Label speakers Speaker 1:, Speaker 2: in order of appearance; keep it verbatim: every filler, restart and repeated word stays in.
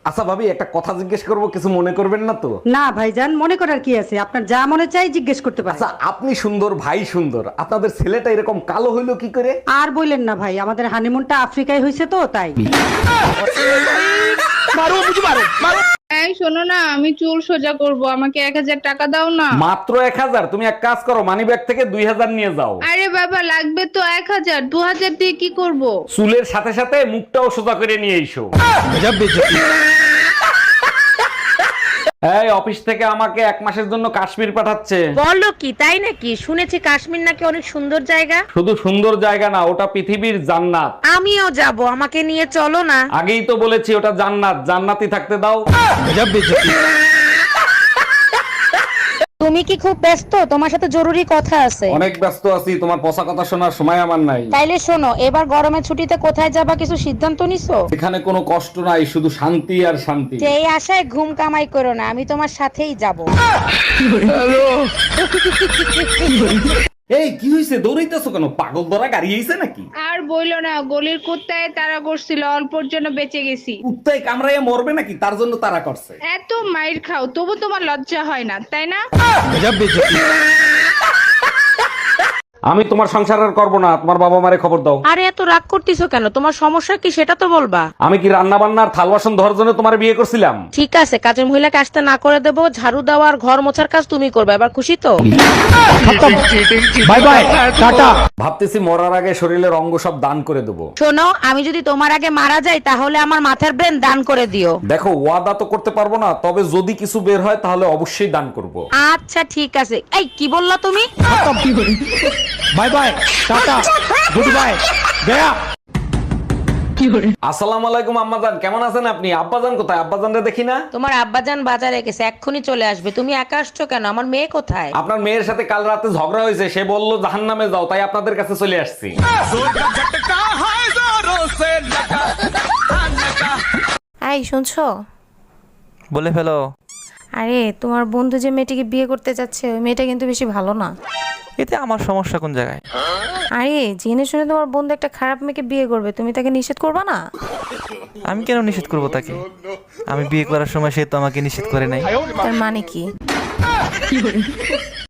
Speaker 1: আচ্ছা ভাবি, একটা কথা জিজ্ঞেস করব, কিছু মনে করবেন না তো?
Speaker 2: না ভাইজান, মনে করার কি আছে, আপনার যা মনে চাই জিজ্ঞেস করতে পারেন।
Speaker 1: আচ্ছা, আপনি সুন্দর, ভাই সুন্দর, আপনাদের ছেলেটা এরকম কালো হইলো কি করে?
Speaker 2: আর বললেন না ভাই, আমাদের হানিমুনটা আফ্রিকায় হয়েছে তো তাই।
Speaker 3: এই শোনো না, আমি চুল সোজা করব, আমাকে এক হাজার টাকা দাও না।
Speaker 1: মাত্র এক হাজার? তুমি এক কাজ করো, মানি ব্যাগ থেকে দুই হাজার নিয়ে যাও।
Speaker 3: আরে বাবা, লাগবে তো এক হাজার, দু হাজার দিয়ে কি করব?
Speaker 1: চুলের সাথে সাথে মুখটাও সোজা করে নিয়ে এসো। এই অফিস থেকে আমাকে এক মাসের জন্য কাশ্মীর পাঠাচ্ছে।
Speaker 4: বলো কি, তাই নাকি? শুনেছি কাশ্মীর নাকি অনেক সুন্দর জায়গা।
Speaker 1: শুধু সুন্দর জায়গা না, ওটা পৃথিবীর জান্নাত।
Speaker 4: আমিও যাব, আমাকে নিয়ে চলো না।
Speaker 1: আগেই তো বলেছি ওটা জান্নাত, জান্নাতি থাকতে দাও।
Speaker 4: তুমি কি খুব ব্যস্ত? তোমার সাথে জরুরি কথা আছে।
Speaker 1: অনেক ব্যস্ত আছি, তোমার পচা কথা শোনার সময় আমার নাই।
Speaker 4: তাইলে শোনো, এবার গরমের ছুটিতে কোথায় যাবা, কিছু সিদ্ধান্ত নিছো?
Speaker 1: এখানে কোনো কষ্ট নাই, শুধু শান্তি আর শান্তি।
Speaker 4: সেই আশায় ঘুম কামাই করো না, আমি তোমার সাথেই যাব।
Speaker 1: এই কি হইছে, দৌড়াইতেছো কেন? পাগল ধরা গাড়ি হইছে নাকি?
Speaker 3: আর বইলো না, গলির কুত্তায় তারা করছিল, অল্পর জন্য বেঁচে গেছি।
Speaker 1: কুত্তায় কামড়াইয়া মরবে নাকি, তার জন্য তারা করছে।
Speaker 3: এত মাইর খাও, তবু তোমার লজ্জা হয় না, তাই না?
Speaker 1: আমি তোমার সংসার আর করবো না, তোমার বাবা মারে খবর দাও।
Speaker 4: আরে এত রাগ করতেছো কেন? তোমার সমস্যা কি সেটা তো বলবা।
Speaker 1: আমি কি রান্না বান্নার থাল বাসন ধরার জন্য তোমার বিয়ে করছিলাম?
Speaker 4: ঠিক আছে, কাজের মহিলাকে আসতে না করে দেবো, ঝাড়ু দেওয়া আর ঘর মোছার কাজ তুমি করবে। এবার খুশি তো?
Speaker 1: Bye bye, tata. ভাবতেছি মরার আগে শরীরের অঙ্গ সব দান করে দেবো।
Speaker 4: শোনো, আমি যদি তোমার আগে মারা যাই তাহলে আমার মাথার ব্রেন দান করে দিও।
Speaker 1: দেখো, ওয়াদা তো করতে পারবো না, তবে যদি কিছু বের হয় তাহলে অবশ্যই দান করব।
Speaker 4: আচ্ছা ঠিক আছে। এই কি বললা তুমি?
Speaker 1: Bye bye, tata, goodbye, গয়া। আসসালামু আলাইকুম আম্মাজান, কেমন আছেন আপনি? আব্বাজান কোথায়? আব্বাজানরে দেখি না।
Speaker 4: তোমার আব্বাজান বাজারে গেছে, এক্ষুনি চলে আসবে। তুমি একা আসছো কেন? আমার মেয়ে কোথায়?
Speaker 1: আপনার মেয়ের সাথে কাল রাতে ঝগড়া হয়েছে, সে বললো জাহান্নামে যাও, তাই আপনাদের কাছে চলে আসছি।
Speaker 5: এই শুনছো?
Speaker 6: বলে ফেলো।
Speaker 5: আরে তোমার বন্ধু যে মেয়েটিকে বিয়ে করতে যাচ্ছে, ওই মেয়েটা কিন্তু বেশি ভালো না।
Speaker 6: এতে আমার সমস্যা কোন জায়গায়?
Speaker 5: আরে জেনে শুনে তোমার বন্ধু একটা খারাপ মেয়েকে বিয়ে করবে, তুমি তাকে নিষেধ করবা না?
Speaker 6: আমি কেন নিষেধ করব তাকে? আমি বিয়ে করার সময় সে তো আমাকে নিষেধ করে নাই।
Speaker 5: তার মানে কি?